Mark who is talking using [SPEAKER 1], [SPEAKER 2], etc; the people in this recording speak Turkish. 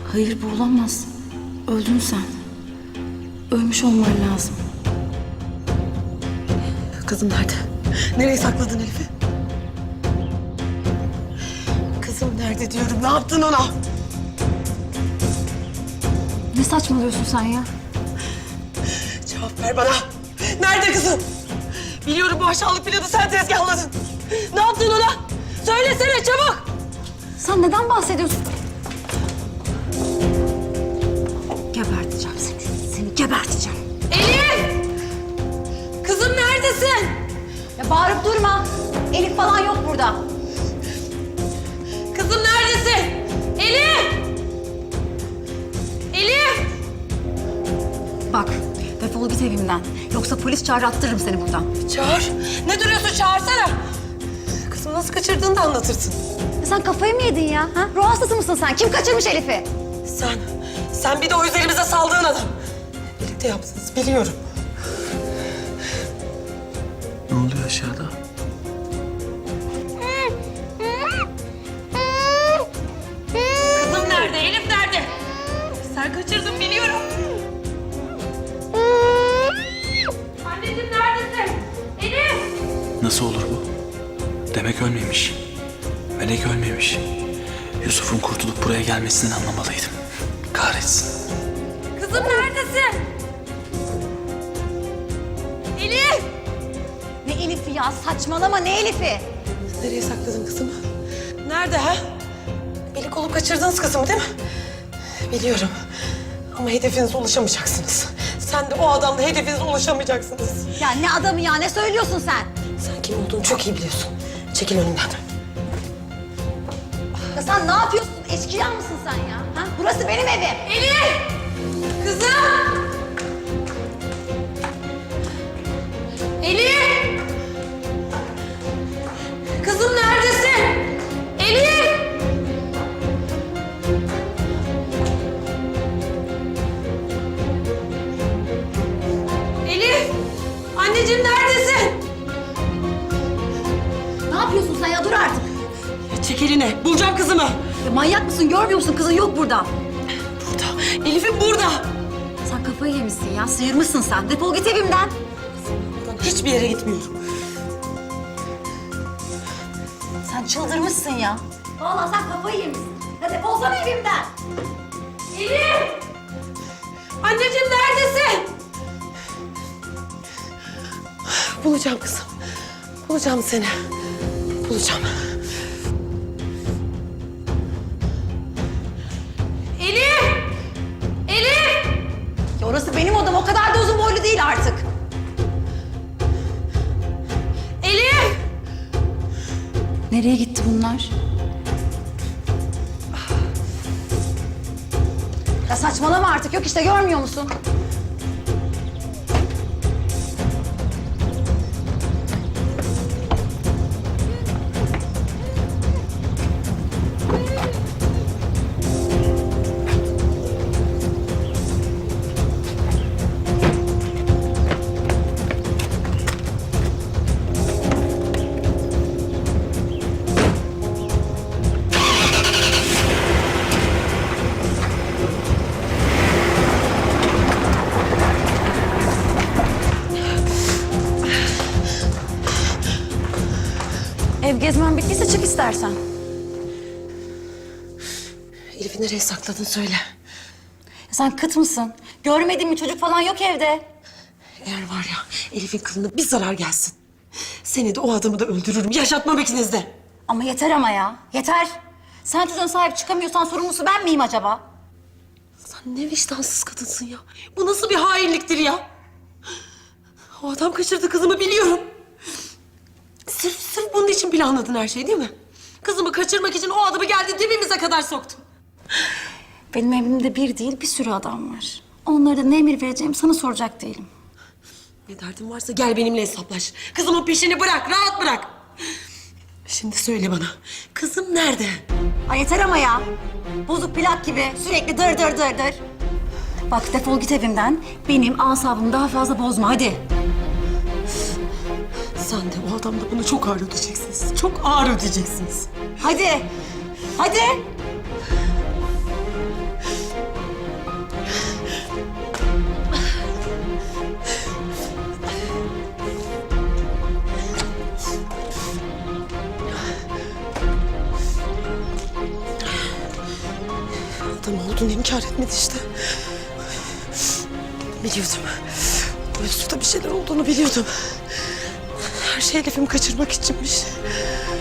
[SPEAKER 1] Hayır, bu olamaz. Öldün sen. Ölmüş olman lazım.
[SPEAKER 2] Kızım nerede? Nereye sakladın Elif'i? Kızım nerede diyorum, ne yaptın ona?
[SPEAKER 1] Ne saçmalıyorsun sen ya?
[SPEAKER 2] Cevap ver bana. Nerede kızım? Biliyorum bu aşağılık planı sen tezgahladın. Ne yaptın ona? Söylesene çabuk.
[SPEAKER 1] Sen neden bahsediyorsun? Geberteceğim seni. Seni geberteceğim.
[SPEAKER 2] Elif! Kızım neredesin?
[SPEAKER 1] Ya bağırıp durma. Elif falan yok burada.
[SPEAKER 2] Kızım neredesin? Elif! Elif!
[SPEAKER 1] Bak, defol git evimden. Yoksa polis çağırttırırım seni buradan.
[SPEAKER 2] Çağır. Ne duruyorsun? Çağırsana. Kızım nasıl kaçırdığını da anlatırsın.
[SPEAKER 1] Sen kafayı mı yedin ya? Ha? Ruh hastası mısın sen? Kim kaçırmış Elif'i?
[SPEAKER 2] Sen bir de o üzerimize saldığın adam. Birlikte yaptınız, biliyorum.
[SPEAKER 3] Ne oluyor aşağıda?
[SPEAKER 2] Kızım nerede? Elif nerede? Sen kaçırdın, biliyorum. Anneciğim neredesin? Elif!
[SPEAKER 3] Nasıl olur bu? Demek ölmemiş. Melek ölmemiş. Yusuf'un kurtulup buraya gelmesinden anlamalıydım. Kahretsin.
[SPEAKER 2] Kızım neredesin? Elif!
[SPEAKER 1] Ne Elif'i ya? Saçmalama, ne Elif'i?
[SPEAKER 2] Nereye sakladın kızımı? Nerede ha? Beni kolup kaçırdınız kızımı değil mi? Biliyorum. Ama hedefinize ulaşamayacaksınız. Sen de o adam da hedefinize ulaşamayacaksınız.
[SPEAKER 1] Ya ne adamı ya? Ne söylüyorsun sen?
[SPEAKER 2] Sen kim olduğunu çok iyi biliyorsun. Çekil önümden.
[SPEAKER 1] Ya sen ne yapıyorsun? Eşkıya mısın sen ya? Ha? Burası benim evim.
[SPEAKER 2] Elif! Kızım! Elif! Kızım neredesin? Elif! Elif! Anneciğim neredesin?
[SPEAKER 1] Ne yapıyorsun sen ya? Dur artık.
[SPEAKER 2] Çek elini. Bulacağım kızımı.
[SPEAKER 1] Ya manyak mısın? Görmüyor musun? Kızın yok burada.
[SPEAKER 2] Burada. Elif'im burada.
[SPEAKER 1] Sen kafayı yemişsin ya. Sıyırmışsın sen. Defol git evimden.
[SPEAKER 2] Buradan hiçbir yere gitmiyorum.
[SPEAKER 1] Sen çıldırmışsın ya. Vallahi sen kafayı yemişsin. Ya defolsana evimden.
[SPEAKER 2] Elif! Anneciğim neredesin? Bulacağım kızım. Bulacağım seni. Bulacağım. Elif! Elif!
[SPEAKER 1] Ya orası benim odam. O kadar da uzun boylu değil artık.
[SPEAKER 2] Elif!
[SPEAKER 1] Nereye gitti bunlar? Ya saçmalama artık. Yok işte, görmüyor musun? Ev gezmen bittiyse çık istersen.
[SPEAKER 2] Elif'i nereye sakladın söyle.
[SPEAKER 1] Ya sen kıt mısın? Görmedin mi? Çocuk falan yok evde.
[SPEAKER 2] Eğer var ya Elif'in kılına bir zarar gelsin. Seni de o adamı da öldürürüm. Yaşatmam ikiniz de.
[SPEAKER 1] Ama yeter ama ya. Yeter. Sen çocuğuna sahip çıkamıyorsan sorumlusu ben miyim acaba?
[SPEAKER 2] Sen ne vicdansız kadınsın ya. Bu nasıl bir hainliktir ya? O adam kaçırdı kızımı, biliyorum. Sırf bunun için planladın her şeyi değil mi? Kızımı kaçırmak için o adamı geldi dibimize kadar soktun.
[SPEAKER 1] Benim evimde bir değil, bir sürü adam var. Onlara da ne emir vereceğim sana soracak değilim.
[SPEAKER 2] Ne derdin varsa gel benimle hesaplaş. Kızımın peşini bırak, rahat bırak. Şimdi söyle bana, kızım nerede?
[SPEAKER 1] Ay yeter ama ya. Bozuk plak gibi sürekli dır dır dır dır. Bak defol git evimden. Benim asabımı daha fazla bozma hadi.
[SPEAKER 2] Sen de o adam da bunu çok ağır ödeyeceksiniz. Çok ağır ödeyeceksiniz.
[SPEAKER 1] Hadi. Hadi.
[SPEAKER 2] olduğunu inkar etmedi işte. Biliyordum. Bu Yusuf'ta bir şeyler olduğunu biliyordum. Her şey Elif'imi kaçırmak içinmiş.